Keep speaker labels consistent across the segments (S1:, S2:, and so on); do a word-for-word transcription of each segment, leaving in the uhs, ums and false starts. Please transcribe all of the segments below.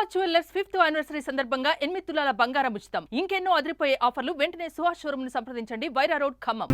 S1: Suhas jewellers fifth anniversary సందర్భంగా ఎనిమిది తులాల బంగారం ఉచితం. ఇంకెన్నో అదిరిపోయే ఆఫర్లు. వెంటనే సుహాస్ షోరూమ్ ను సంప్రదించండి. Wyra road, Khammam.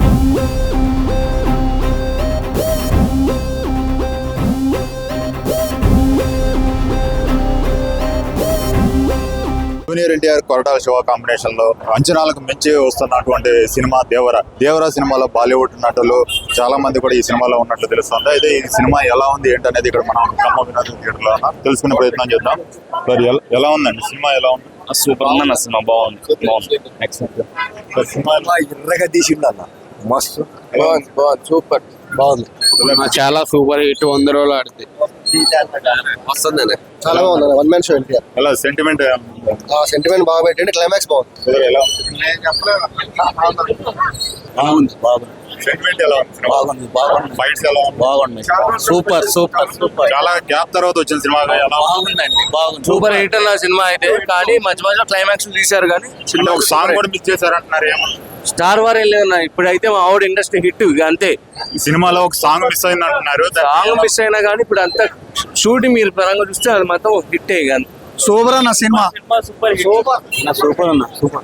S2: Junior NTR Koratala Siva combination లో అంచనాలకు మించి వస్తున్నటువంటి సినిమా దేవర దేవర సినిమాలో బాలీవుడ్ నటులు చాలా మంది కూడా ఈ సినిమాలో ఉన్నట్లు తెలుస్తుంది. అయితే ఈ సినిమా ఎలా ఉంది ఏంటనేది ఇక్కడ మనం ఖమ్మం వినోదం థియేటర్ లో తెలుసుకునే ప్రయత్నం చేద్దాం. మరి ఎలా ఉందండి సినిమా? ఎలా ఉంది?
S3: సూపర్ ఉందన్న సినిమా. బాగుంది బాగుంది
S2: సినిమా
S4: ఎర్రగా తీసిండు అన్న, మస్తు బాగుంది బాగుంది సూపర్ బాగుంది.
S3: చాలా సూపర్ హిట్, వంద రోజులు ఆడితే
S4: వస్తుంది అన్న, చాలా బాగుంది అన్న. One man show NTR.
S2: ఎలా సెంటిమెంట్
S4: సెంటిమెంట్ బాగా పెట్టండి, క్లైమాక్స్ బాగుంది.
S2: ఎలా
S3: బాగుంది బాగుంది
S2: సెంటిమెంట్ ఎలా ఉంది?
S4: బాగుంది బాగుంది
S2: ఫైట్స్ ఎలా ఉంది?
S3: బాగుంది సూపర్ సూపర్ సూపర్
S2: చాలా గ్యాప్ తర్వాత వచ్చిన సినిమా ఎలా
S3: బాగుందండి. బాగుంది సూపర్ హిట్ అన్న సినిమా అయితే. కానీ మధ్య మధ్యలో క్లైమాక్స్ తీశారు కానీ
S2: ఉంది? ఒక సాంగ్ కూడా మిస్ చేశారంటున్నారు ఏమో.
S3: స్టార్ వార్ వెళ్ళేదన్న. ఇప్పుడైతే మా ఆవిడ ఇండస్ట్రీ హిట్ అంతే.
S2: ఈ సినిమాలో ఒక సాంగ్ మిస్ అయింది అంటున్నారు.
S3: సాంగ్ మిస్ అయినా కానీ ఇప్పుడు అంతా షూటింగ్ మీరు పరంగా చూస్తే అది మొత్తం హిట్ కానీ
S4: సూపర్ అన్న సినిమా.
S3: సూపర్ సూపర్ సూపర్ అన్న సూపర్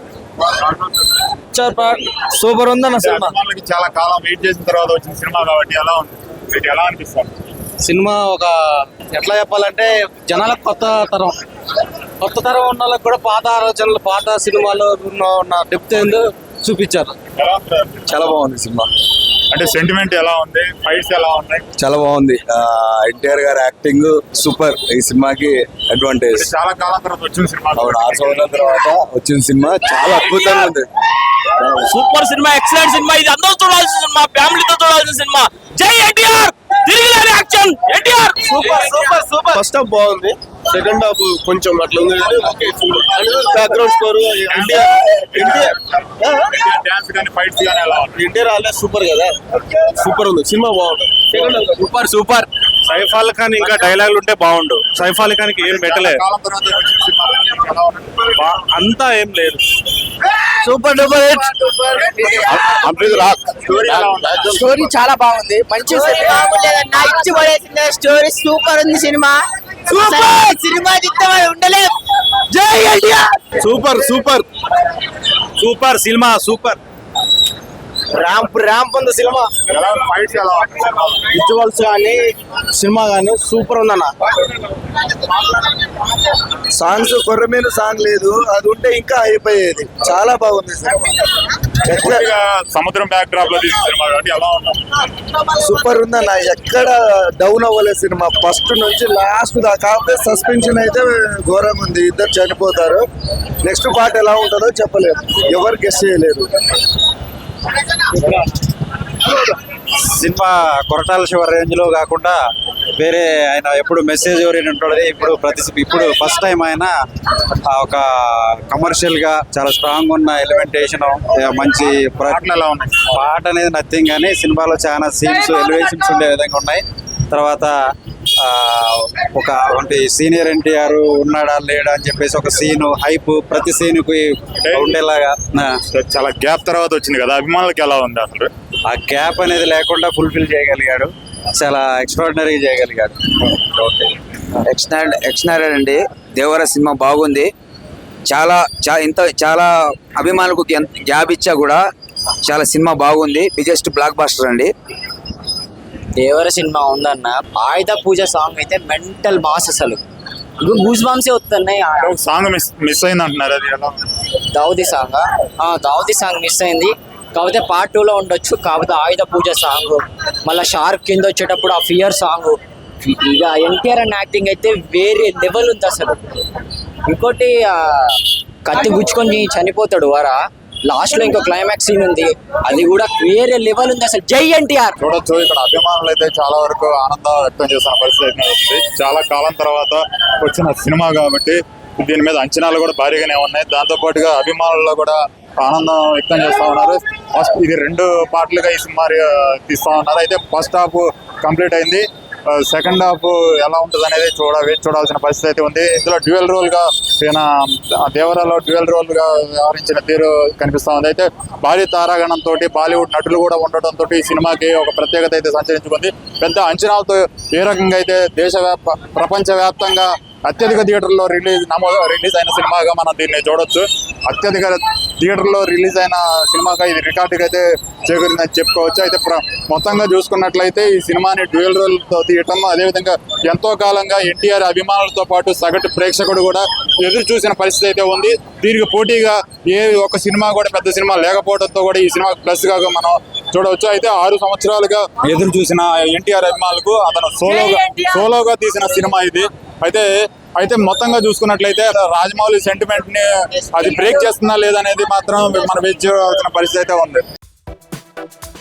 S3: సూపర్ ఉందన్న సినిమా.
S2: అభిమానులకి చాలా కాలం వెయిట్ చేసిన తర్వాత వచ్చిన సినిమా కాబట్టి ఎలా ఉంది? మీకు ఎలా అనిపిస్తుంది?
S3: సినిమా ఒక ఎట్లా చెప్పాలంటే జనాలకు కొత్త తరం కొత్త తరం ఉన్న వాళ్ళకి కూడా పాత ఆలోచనలు, పాత సినిమాలో ఉన్న ఉన్న డెప్త్ ఏందో చూపించారు.
S2: ఎలా ఉంది?
S4: చాలా బాగుంది సినిమా.
S2: అంటే సెంటిమెంట్ ఎలా ఉంది? ఫైట్స్ ఎలా ఉన్నాయి?
S4: చాలా బాగుంది. ఎన్టీఆర్ గారి యాక్టింగ్ సూపర్. ఈ సినిమాకి అడ్వాంటేజ్.
S2: చాలా కాలం తర్వాత వచ్చిన సినిమా.
S4: ఆవిడ ఆరు సంవత్సరాల తర్వాత వచ్చిన సినిమా చాలా అద్భుతంగా ఉంది.
S5: Super cinema, excellent cinema. ఇది అందరూ చూడాల్సిన సినిమా, ఫ్యామిలీతో చూడాల్సిన సినిమా. జై ఎన్టీఆర్, తిరిగిలేని action NTR.
S3: Super super super.
S6: First half బాగుంది, సెకండ్ హాఫ్ కొంచెం అట్లా ఉంది. బ్యాక్గ్రౌండ్ స్కోర్
S2: డాన్స్ కానీ ఫైట్స్ కానీ ఎలా ఉంది?
S6: ఎన్టీఆర్ ఆల్రెడీ సూపర్ కదా, సూపర్ ఉంది సినిమా. బాగుంది.
S3: Super super.
S6: సైఫ్ అలీ ఖాన్ ఇంకా డైలాగులు ఉంటే బాగుండు. సైఫ్ అలీ ఖాన్ కి ఏం పెట్టలేదు,
S2: కాలం తర్వాత వచ్చిన సినిమా ఎలా ఉంది?
S6: అంతా ఏం లేదు.
S3: Super duper hit.
S2: స్టోరీ ఎలా ఉంది?
S7: స్టోరీ చాలా బాగుంది, మంచి బాగుండేదన్నా, ఇచ్చి పడేసింది స్టోరీ. సూపర్ ఉంది సినిమా. సినిమా చిత్తం ఉండలేదు. జై NTR.
S6: Super super super cinema super.
S3: Ramp ramp ఉంది సినిమా.
S2: ఎలా ఉంది? ఫైట్స్ ఎలా ఉంది?
S3: విజువల్స్ కానీ సినిమా కానీ సూపర్ ఉందన్న.
S4: సాంగ్స్ కొర్రమీన సాంగ్ లేదు, అది ఉంటే ఇంకా అయిపోయేది. చాలా బాగుంది సినిమా.
S2: పూర్తిగా సముద్రం బ్యాక్ డ్రాప్ లో తీసిన సినిమా కాబట్టి ఎలా ఉంది?
S4: సూపర్ ఉందన్న, ఎక్కడ డౌన్ అవ్వలేదు సినిమా ఫస్ట్ నుంచి లాస్ట్ దాకా. కాకపోతే సస్పెన్షన్ అయితే ఘోరంగా ఉంది. ఇద్దరు చనిపోతారు. నెక్స్ట్ పార్ట్ ఎలా ఉంటుందో చెప్పలేదు, ఎవరు గెస్ చేయలేరు.
S8: సినిమా కొరటాల శివ రేంజ్ లో కాకుండా వేరే ఆయన ఎప్పుడు మెసేజ్ ఓరియంటెడ్ ఉంటుంది. ఇప్పుడు ప్రతి ఇప్పుడు ఫస్ట్ టైం ఆయన ఒక కమర్షియల్ గా చాలా స్ట్రాంగ్ ఉన్న ఎలిమెంటేషన్, మంచి
S2: పాటలు ఎలా ఉన్నాయి?
S8: పాట అనేది నథింగ్, కానీ సినిమాలో చాలా సీన్స్ ఎలివేషన్స్ ఉండే విధంగా ఉన్నాయి. తర్వాత ఒక అంటే సీనియర్ ఎన్టీఆర్ ఉన్నాడా లేడా అని చెప్పేసి ఒక సీన్ హైప్ ప్రతి సీన్ కి ఉండేలాగా.
S2: చాలా గ్యాప్ తర్వాత వచ్చింది కదా, అభిమానులకి ఎలా ఉంది అసలు?
S8: ఆ గ్యాప్ అనేది లేకుండా ఫుల్ఫిల్ చేయగలిగాడు, చాలా ఎక్స్ట్రాడినరీగా చేయగలిగాడు.
S9: ఎక్స్ట్రాడినరీ అండి. దేవర సినిమా బాగుంది. చాలా ఇంత చాలా అభిమానులకు గ్యాప్ ఇచ్చా కూడా చాలా సినిమా బాగుంది. బిగ్గెస్ట్ బ్లాక్ బాస్టర్ అండి.
S7: దేవర సినిమా ఉందన్న. ఆయుధ పూజ సాంగ్ అయితే మెంటల్ మాస్. అసలు గూస్ బాంబ్సే వస్తున్నాయి.
S2: సాంగ్ మిస్ మిస్ అయింది అంటున్నారు, అది ఎలా?
S7: Davudi song Davudi song miss అయింది. కాకపోతే పార్ట్ టూ లో ఉండొచ్చు. కాకపోతే ఆయుధ పూజ సాంగ్, మళ్ళీ షార్క్ కింద వచ్చేటప్పుడు ఆ ఫియర్ సాంగ్, ఇక ఎన్టీఆర్ అన్న యాక్టింగ్ అయితే వేరే లెవెల్ ఉంది అసలు. ఇంకోటి కత్తి గుచ్చుకొని చనిపోతాడు వారా, లాస్ట్ లో ఇంకో క్లైమాక్స్ సీన్ ఉంది, అది కూడా వేరే లెవెల్ ఉంది అసలు. జై ఎన్టీఆర్.
S2: చూడొచ్చు ఇక్కడ అభిమానులు అయితే చాలా వరకు ఆనందం వ్యక్తం చేస్తున్న పరిస్థితి ఉంది. చాలా కాలం తర్వాత వచ్చిన సినిమా కాబట్టి దీని మీద అంచనాలు కూడా భారీగానే ఉన్నాయి. దాంతో పాటుగా అభిమానుల్లో కూడా ఆనందం వ్యక్తం చేస్తా ఉన్నారు. ఫస్ట్ ఇది రెండు పార్ట్లుగా ఈ సినిమా తీస్తా ఉన్నారు. అయితే ఫస్ట్ హాఫ్ కంప్లీట్ అయింది, సెకండ్ హాఫ్ ఎలా ఉంటుంది అనేది చూడ వేచి చూడాల్సిన పరిస్థితి అయితే ఉంది. ఇందులో డ్యూయల్ రోల్ గా ఈయన దేవరాలో డ్యూయల్ రోల్ గా వ్యవహరించిన తీరు కనిపిస్తా ఉంది. అయితే భారీ తారాగణంతో బాలీవుడ్ నటులు కూడా ఉండటంతో ఈ సినిమాకి ఒక ప్రత్యేకత అయితే సంచరించుకుంది. పెద్ద అంచనాలతో ఏ రకంగా అయితే దేశవ్యాప్త ప్రపంచవ్యాప్తంగా అత్యధిక థియేటర్లో రిలీజ్ నమోదు రిలీజ్ అయిన సినిమాగా మనం దీన్ని చూడొచ్చు. అత్యధిక థియేటర్లో రిలీజ్ అయిన సినిమాగా ఇది రికార్డుగా అయితే చేకూరిందని చెప్పుకోవచ్చు. అయితే ప్ర- మొత్తంగా చూసుకున్నట్లయితే ఈ సినిమాని డ్యూయల్ రోల్తో తీయటం, అదేవిధంగా ఎంతో కాలంగా ఎన్టీఆర్ అభిమానులతో పాటు సగటు ప్రేక్షకుడు కూడా ఎదురు చూసిన పరిస్థితి అయితే ఉంది. దీనికి పోటీగా ఏ ఒక్క సినిమా కూడా పెద్ద సినిమా లేకపోవడంతో కూడా ఈ సినిమా ప్లస్ గా మనం చూడవచ్చు. అయితే ఆరు సంవత్సరాలుగా ఎదురు చూసిన ఎన్టీఆర్ అభిమానులకు అతను సోలోగా సోలోగా తీసిన సినిమా ఇది. అయితే అయితే మొత్తంగా చూసుకున్నట్లయితే రాజమౌళి సెంటిమెంట్ ని అది బ్రేక్ చేస్తుందా లేదనేది మాత్రం మనం వేచి చూడాల్సిన పరిస్థితి అయితే ఉంది.